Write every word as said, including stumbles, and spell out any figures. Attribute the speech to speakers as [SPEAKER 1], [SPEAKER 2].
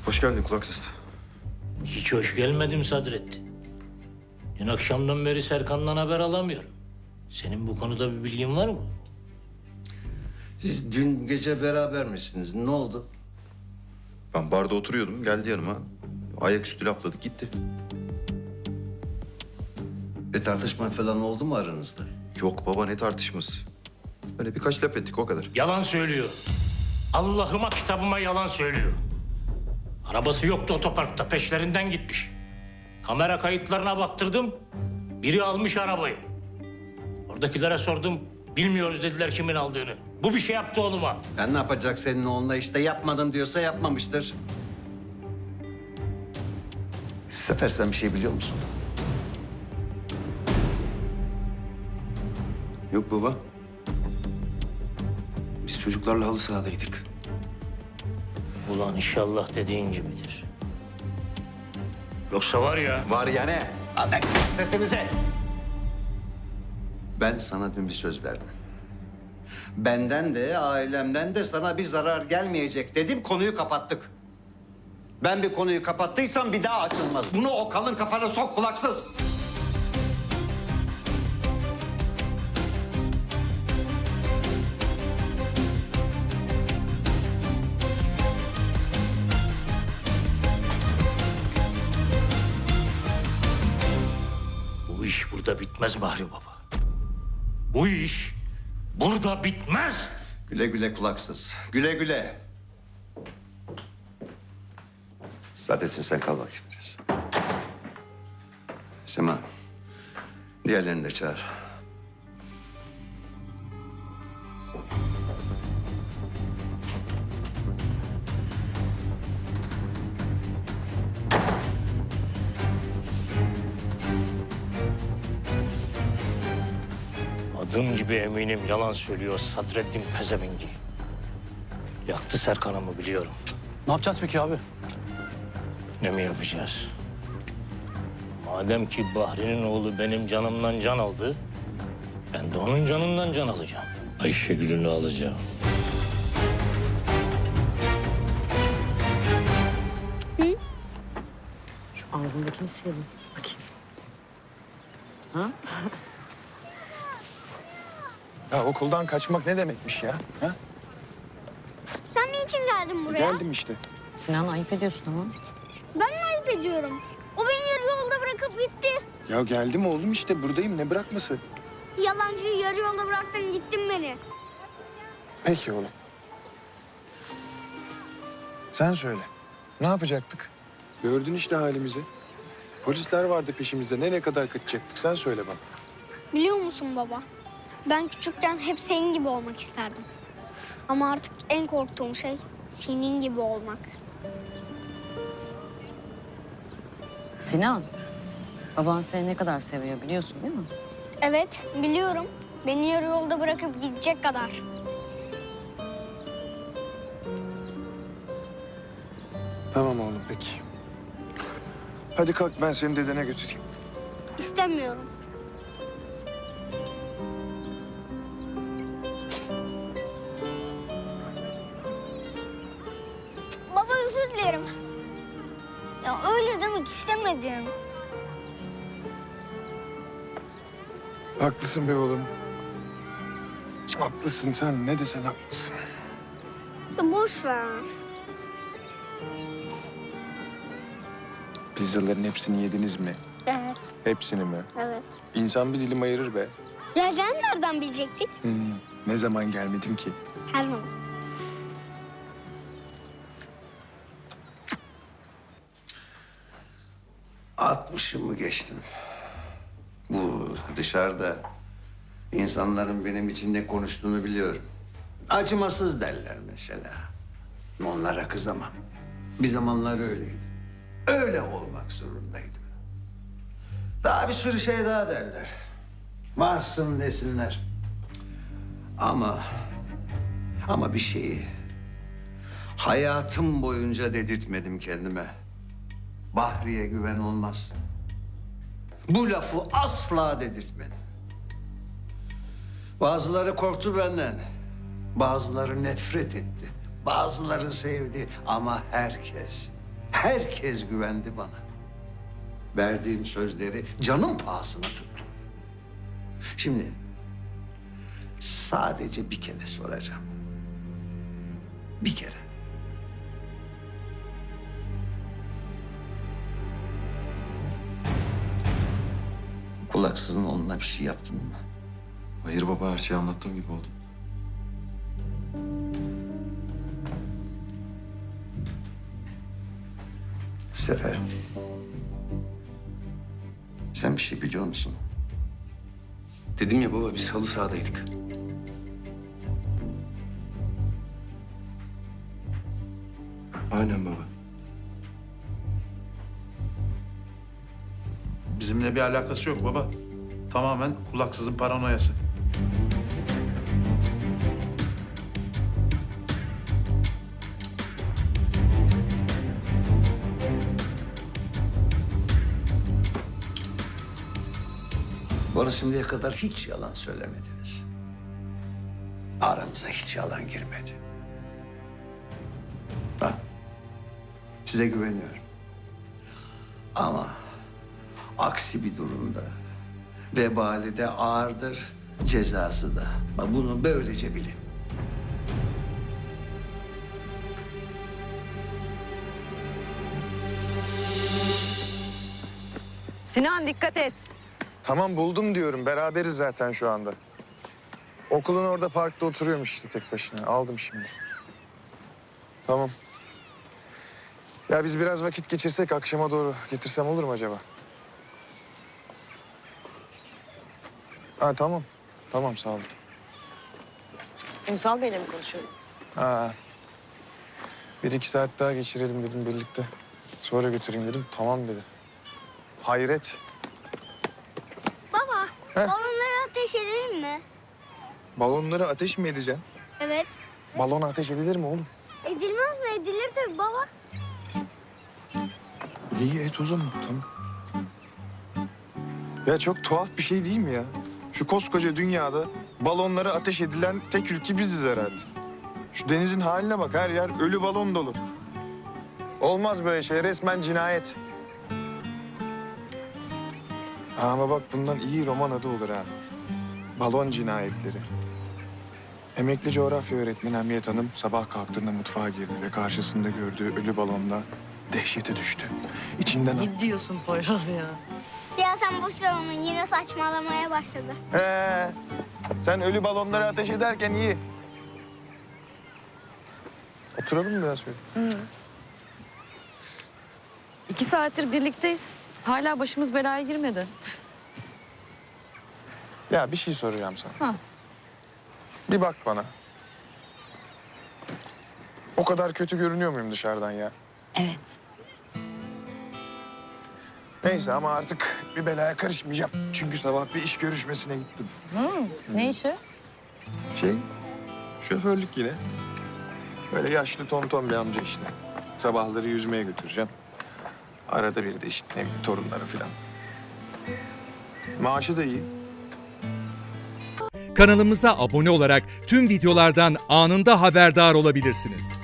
[SPEAKER 1] Hoş geldin kulaksız.
[SPEAKER 2] Hiç hoş gelmedim Sadrettin. Dün akşamdan beri Serkan'dan haber alamıyorum. Senin bu konuda bir bilgin var mı?
[SPEAKER 3] Siz dün gece beraber misiniz? Ne oldu?
[SPEAKER 1] Ben barda oturuyordum, geldi yanıma. Ayaküstü lafladık, gitti.
[SPEAKER 3] Bir tartışma falan oldu mu aranızda?
[SPEAKER 1] Yok baba, ne tartışması? Öyle birkaç laf ettik, o kadar.
[SPEAKER 2] Yalan söylüyor. Allah'ıma kitabıma yalan söylüyor. Arabası yoktu otoparkta, peşlerinden gitmiş. Kamera kayıtlarına baktırdım. Biri almış arabayı. Oradakilere sordum. Bilmiyoruz dediler kimin aldığını. Bu bir şey yaptı oğluma.
[SPEAKER 3] Ben ne yapacak senin oğlunla işte yapmadım diyorsa yapmamıştır. Sefer sen bir şey biliyor musun?
[SPEAKER 4] Yok baba. Biz çocuklarla halı sahadaydık.
[SPEAKER 2] Ulan inşallah dediğin gibidir. Yoksa var ya...
[SPEAKER 1] Var ya ne?
[SPEAKER 3] Hadi sesimize. Ben sana dün bir söz verdim. Benden de ailemden de sana bir zarar gelmeyecek dedim, konuyu kapattık. Ben bir konuyu kapattıysam bir daha açılmaz. Bunu o kalın kafana sok kulaksız.
[SPEAKER 2] Bu iş burada bitmez Bahri Baba. Bu iş burada bitmez.
[SPEAKER 3] Güle güle kulaksız. Güle güle. Saadettin sen kal bakayım biraz. Sema, diğerlerini de çağır.
[SPEAKER 2] Adım gibi eminim yalan söylüyor Sadreddin pezevengi. Yaktı Serkan'ımı biliyorum.
[SPEAKER 4] Ne yapacağız peki abi?
[SPEAKER 2] Ne mi yapacağız? Madem ki Bahri'nin oğlu benim canımdan can aldı... ...ben de onun canından can alacağım. Ayşegül'ünü alacağım.
[SPEAKER 5] Şu ağzındakini silelim. Bakayım. Ha?
[SPEAKER 6] Ya okuldan kaçmak ne demekmiş ya? Ha?
[SPEAKER 7] Sen niçin geldin buraya?
[SPEAKER 6] Geldim işte.
[SPEAKER 5] Sinan ayıp ediyorsun ama.
[SPEAKER 7] Ben mi ayıp ediyorum? O beni yarı yolda bırakıp gitti.
[SPEAKER 6] Ya geldim oğlum işte buradayım ne bırakması?
[SPEAKER 7] Yalancıyı yarı yolda bıraktın gittin beni.
[SPEAKER 6] Peki oğlum. Sen söyle. Ne yapacaktık? Gördün işte halimizi. Polisler vardı peşimizde. Nereye kadar kaçacaktık? Sen söyle bana.
[SPEAKER 7] Biliyor musun baba? Ben küçükken hep senin gibi olmak isterdim. Ama artık en korktuğum şey senin gibi olmak.
[SPEAKER 5] Sinan, baban seni ne kadar seviyor biliyorsun değil mi?
[SPEAKER 7] Evet biliyorum. Beni yarı yolda bırakıp gidecek kadar.
[SPEAKER 6] Tamam oğlum peki. Hadi kalk ben seni dedene götüreyim.
[SPEAKER 7] İstemiyorum. Baba özür dilerim. Ya öyle demek istemedim.
[SPEAKER 6] Haklısın be oğlum. Haklısın sen ne desen haklısın.
[SPEAKER 7] Ya boş ver.
[SPEAKER 6] Pizzaların hepsini yediniz mi?
[SPEAKER 7] Evet,
[SPEAKER 6] Hepsini mi?
[SPEAKER 7] evet.
[SPEAKER 6] İnsan bir dilim ayırır be.
[SPEAKER 7] Geleceğini nereden bilecektik?
[SPEAKER 6] Hı, ne zaman gelmedim ki?
[SPEAKER 7] Her zaman.
[SPEAKER 3] Altmışımı geçtim. Bu dışarıda insanların benim için ne konuştuğunu biliyorum. Acımasız derler mesela. Onlara kızamam. Bir zamanlar öyleydi. Öyle olmak zorundaydım. Daha bir sürü şey daha derler. Varsın desinler. Ama... Ama bir şeyi... hayatım boyunca dedirtmedim kendime. Bahri'ye güven olmaz. Bu lafı asla dedirtmedim. Bazıları korktu benden. Bazıları nefret etti. Bazıları sevdi ama herkes, Herkes güvendi bana. Verdiğim sözleri canım pahasına tuttum. Şimdi sadece bir kere soracağım. Bir kere. Kulaksızın onunla bir şey yaptın mı?
[SPEAKER 1] Hayır baba, her şeyi anlattığım gibi oldu.
[SPEAKER 3] Sefer. Sen bir şey biliyor musun?
[SPEAKER 4] Dedim ya baba biz halı sahadaydık.
[SPEAKER 1] Aynen baba.
[SPEAKER 8] Bizimle bir alakası yok baba. Tamamen kulaksızın paranoyası.
[SPEAKER 3] Bana şimdiye kadar hiç yalan söylemediniz. Aramıza hiç yalan girmedi. Ha, size güveniyorum. Ama aksi bir durumda vebali de ağırdır, cezası da. Bak bunu böylece bilin.
[SPEAKER 5] Sinan dikkat et.
[SPEAKER 6] Tamam buldum diyorum. Beraberiz zaten şu anda. Okulun orada parkta oturuyormuş işte tek başına. Aldım şimdi. Tamam. Ya biz biraz vakit geçirsek akşama doğru getirsem olur mu acaba? Ha tamam. Tamam sağ olun.
[SPEAKER 5] Ünsal Bey'le mi konuşuyorum?
[SPEAKER 6] Ha. Bir iki saat daha geçirelim dedim birlikte. Sonra götüreyim dedim. Tamam dedi. Hayret.
[SPEAKER 7] Baba,
[SPEAKER 6] Heh.
[SPEAKER 7] balonları ateş edelim mi?
[SPEAKER 6] Balonları ateş mi edeceksin?
[SPEAKER 7] Evet.
[SPEAKER 6] Balon ateş edilir mi oğlum?
[SPEAKER 7] Edilmez mi? Edilir tabii baba.
[SPEAKER 6] İyi et o zaman tamam. Ya çok tuhaf bir şey değil mi ya? Şu koskoca dünyada balonlara ateş edilen tek ülke biziz herhalde. Şu denizin haline bak, her yer ölü balon dolu. Olmaz böyle şey, resmen cinayet. Ama bak bundan iyi roman adı olur ha. Balon cinayetleri. Emekli coğrafya öğretmeni Hamiyet Hanım sabah kalktığında mutfağa girdi ve karşısında gördüğü ölü balonla dehşete düştü. İçinden...
[SPEAKER 5] Ne diyorsun Poyraz ya?
[SPEAKER 7] Ya sen boş ver onu. Yine saçmalamaya başladı.
[SPEAKER 6] Ee, sen ölü balonları ateş ederken iyi. Oturalım mı biraz şöyle?
[SPEAKER 5] İki saattir birlikteyiz. Hala başımız belaya girmedi.
[SPEAKER 6] Ya bir şey soracağım sana.
[SPEAKER 5] Ha.
[SPEAKER 6] Bir bak bana. O kadar kötü görünüyor muyum dışarıdan ya?
[SPEAKER 5] Evet.
[SPEAKER 6] Neyse ama artık bir belaya karışmayacağım. Çünkü sabah bir iş görüşmesine gittim.
[SPEAKER 5] Ne işi?
[SPEAKER 6] Şey, şoförlük yine. Böyle yaşlı tonton bir amca işte. Sabahları yüzmeye götüreceğim. Arada bir de işte ne bileyim torunları falan. Maaşı da iyi.
[SPEAKER 9] Kanalımıza abone olarak tüm videolardan anında haberdar olabilirsiniz.